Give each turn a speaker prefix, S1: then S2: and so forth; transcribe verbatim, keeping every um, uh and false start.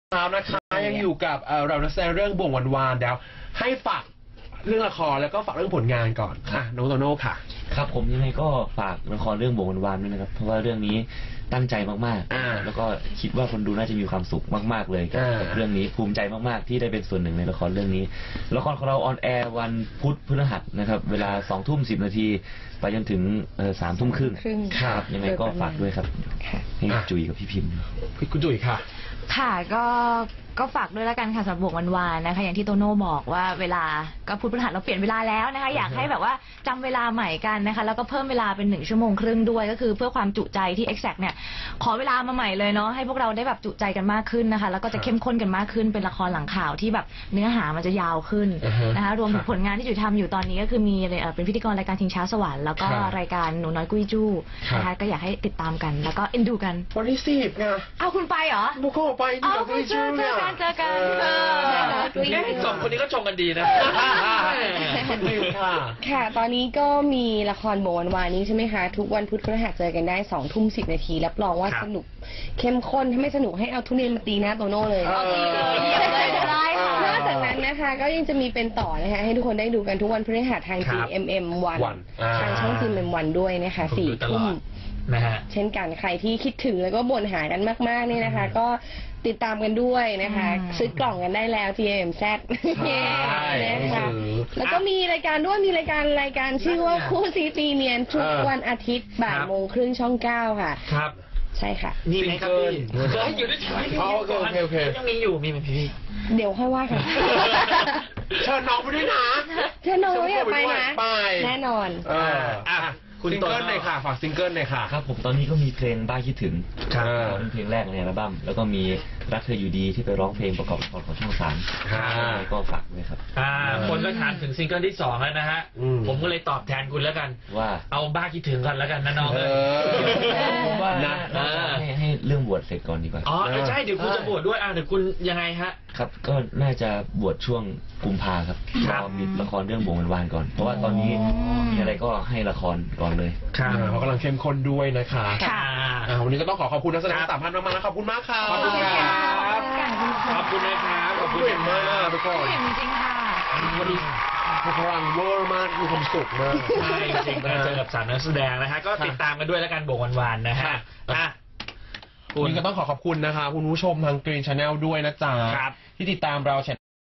S1: ครับนะคะยังอยู่กับเรานักแสดงเรื่องบ่วงวันวานเดี๋ยวให้ฝากเรื่องละครแล้วก็ฝากเรื่องผลงานก่อนอ่ะน้องโตโน่ค่ะ
S2: ครับผมยังไงก็ฝากละครเรื่องบ่วงวันวานด้วยนะครับเพราะว่าเรื่องนี้ตั้งใจมากๆแล้วก็คิดว่าคนดูน่าจะมีความสุขมากๆเลยกับเรื่องนี้ภูมิใจมากๆที่ได้เป็นส่วนหนึ่งในละครเรื่องนี้ละครของเราออนแอร์วันพุธพฤหัสนะครับเวลาสองทุ่มสิบนาทีไปจนถึงสามทุ่มครึ่งครับยังไงก็ฝากด้วยครับให้จุ๋ยกับพี่พิมพ์
S1: คุณจุ๋ยค่ะ
S3: ค่ะก็ก็ฝากด้วยแล้วกันค่ะสำหรับบ่วงวันวานนะคะอย่างที่โตโน่บอกว่าเวลาก็พุธพฤหัสเราเปลี่ยนเวลาแล้วนะคะอยากให้แบบว่าจำเวลาใหม่กันนะคะแล้วก็เพิ่มเวลาเป็นหนึ่งชั่วโมงครึ่งด้วยก็คือเพื่อความจุใจที่ Exact เนี่ยขอเวลามาใหม่เลยเนาะให้พวกเราได้แบบจุใจกันมากขึ้นนะคะแล้วก็จะเข้มข้นกันมากขึ้นเป็นละครหลังข่าวที่แบบเนื้อหามันจะยาวขึ้นนะคะรวมถึงผลงานที่จุ๋ยทำอยู่ตอนนี้ก็คือมีเป็นพิธีกรรายการชิงช้าสวรรค์แล้วก็รายการหนูน้อยกุ้ยจู้นะคะก็อยากให้ติดตามกันแล้วก็เอ็นดูกัน
S1: วันที่สิบไง
S3: อ้าวคุณไปเหรอ
S1: บุกเข้าไปที่กุ้ยจู้เนี่ย
S3: เจอกัน
S4: สองคนนี้ก็ชงกันดีนะ
S1: คุณดิวค่ะ
S5: ค่ะตอนนี้ก็มีละครบ่วงวันวานนี้ใช่ไหมคะทุกวันพุธพฤหัสเจอกันได้สองทุ่มสิบนาทีรับรองว่าสนุกเข้มข้นถ้าไม่สนุกให้เอาทุเรียนมาตีหน้าโตโน่เลย
S3: เอาตีเลยเยี่ยมเลยจะได้ค่ะ
S5: นอกจากนั้นนะคะก็ยังจะมีเป็นต่อนะคะให้ทุกคนได้ดูกันทุกวันพฤหัสทาง จี เอ็ม เอ็ม วันทางช่อง จี เอ็ม เอ็ม วันด้วยนะคะสี่ทุ่ม
S4: นะฮะ
S5: เช่นกันใครที่คิดถึงแล้วก็บ่นหากันมากๆนี่นะคะก็ติดตามกันด้วยนะคะซื้อกล่องกันได้แล้ว ที เอ็ม แซด นะคะแล้วก็มีรายการด้วยมีรายการรายการชื่อว่าคู่ซีตีเนียนทุกวันอาทิตย์บ่ายโมงครึ่งช่องเก้าค่ะ
S4: ครับ
S5: ใช่ค่ะ
S4: นี่ไหมครับพี่เฮ้ยอยู่ด้วยกัน
S1: โอเคโอเคโอเค
S4: ยังมีอยู่มีไหมพี่
S5: เดี๋ยวค่อยว่ากัน
S1: เชิญน้องไปด้วยนะ
S5: เชิญน้องอยากไปนะแน่นอน
S1: อ่ะซิงเกิลเลยค่ะฝากซิงเกิลเลยค่ะ
S2: ครับผมตอนนี้ก็มีเพลงบ้าคิดถึงเป็นเพลงแรกในอัลบั้มแล้วก็มีรักเธออยู่ดีที่ไปร้องเพลงประกอบละครของช่องสามก็ฝากด้วยครับ
S4: อ่าคนก็ถามถึงซิงเกิลที่สองแล้วนะฮะผมก็เลยตอบแทนคุณแล้วกัน
S2: ว่า
S4: เอาบ้าคิดถึงกันแล้วกันนะน้อง
S2: ผมว่าให้ให้เรื่องบวชเสร็จก่อนดีกว่า
S4: อ๋อใช่เดี๋ยวคุณจะบวชด้วยอ่าเดี๋ยวคุณยังไงฮะ
S2: ครับก็น่าจะบวชช่วงกุมภาครับรอมีละครเรื่องบ่วงวันวานก่อนเพราะว่าตอนนี้มีอะไรก็ให้ละครก่อนเลย
S1: ค่ะเขากำลังเข้มข้นด้วยนะคะ
S3: ค่ะ
S1: วันนี้ก็ต้องขอขอบคุณนักแสดงสามท่านมากๆนะขอบคุณมากค่ะ
S4: ขอบคุณครับขอบคุณนะครับ
S1: ขอบคุณมากทุกคน
S3: จริงค่ะ
S1: วันนี้พลังเวอร์มากมีความสุขมาก
S4: ใช่จริงๆเจอกับสามนักแสดงนะฮะก็ติดตามกันด้วยแล้วกันบ่วงวันวานนะฮะ
S1: คุณก็ต้องขอขอบคุณนะคะคุณผู้ชมทาง Green Channel ด้วยนะจ๊ะที่ติดตามเรา